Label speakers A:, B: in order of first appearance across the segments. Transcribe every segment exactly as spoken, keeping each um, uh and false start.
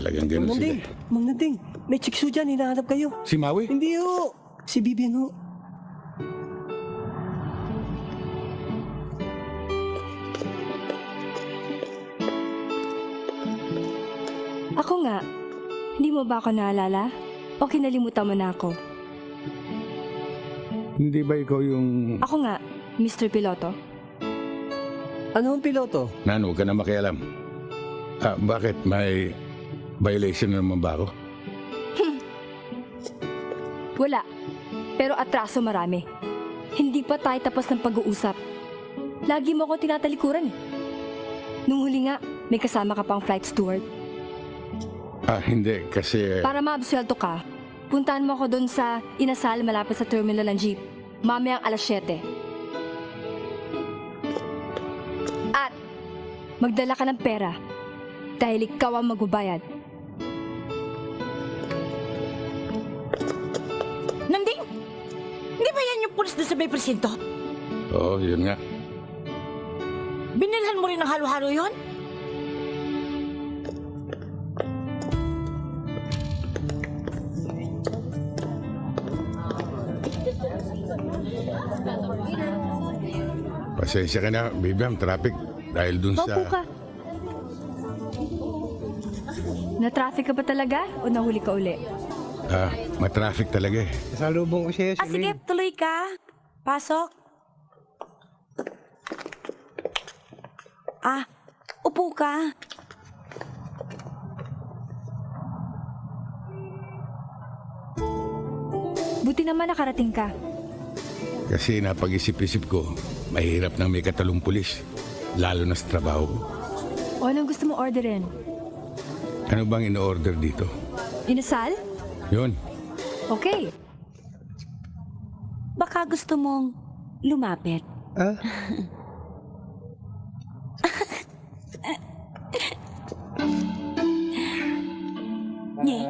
A: Talagang ganun
B: Mang
A: sila.
B: Nanding, Mang Nanding, may chikso dyan, hinahanap kayo.
A: Si Maui?
B: Hindi ho, si Vivian ho.
C: Ako nga, hindi mo ba ako naalala? O kinalimutan mo na ako?
A: Hindi ba ikaw yung...
C: Ako nga, Mister Piloto.
B: Ano ang piloto?
A: Nan, huwag ka na makialam. Ah, bakit? May violation na naman ba ako?
C: Wala. Pero atraso marami. Hindi pa tayo tapos ng pag-uusap. Lagi mo ako tinatalikuran eh. Nung huli nga, may kasama ka pang flight steward.
A: Ah, hindi. Kasi...
C: Para maabsuelto ka, puntahan mo ako doon sa inasal malapit sa terminal ng jeep. Mamayang alas siyete. At magdala ka ng pera dahil ikaw ang magbabayad.
D: Nanding! Hindi ba yan yung pulis na sa may presinto?
A: Oo, yun nga.
D: Binilhan mo rin ng halo-halo yun?
A: Pasensya ka na, Bibiam, traffic. Dahil dun sa...
C: Maupo ka. Na-traffic ka ba talaga o nahuli ka uli?
A: Ah, matraffic talaga eh.
B: Kasalubong ko siya,
D: Ah, sige, tuloy ka. Pasok. Ah, upo ka.
C: Buti naman nakarating ka.
A: Kasi napag-isip-isip ko, mahirap nang may katalong pulis. Lalo na sa trabaho ko.
C: O anong gusto mo orderin?
A: Ano bang in-order dito?
C: Inasal?
A: Yun.
C: Okay.
D: Baka gusto mong lumapit.
B: Ah?
D: Nye.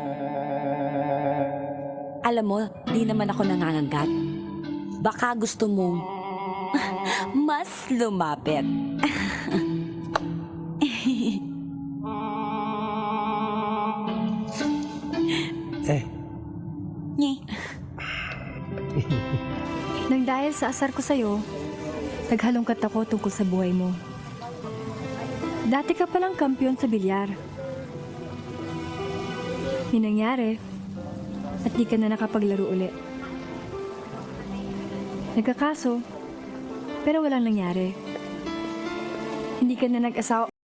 D: Alam mo, di naman ako nangangagat. Baka gusto mong mas lumapit.
B: Eh,
D: Nye.
C: Nang dahil sa asar ko sa'yo, naghalongkat ako tungkol sa buhay mo. Dati ka palang kampiyon sa bilyar. May nangyari at di ka na nakapaglaro uli. Nagkakaso, pero walang nangyari. Hindi ka na nag-asawa.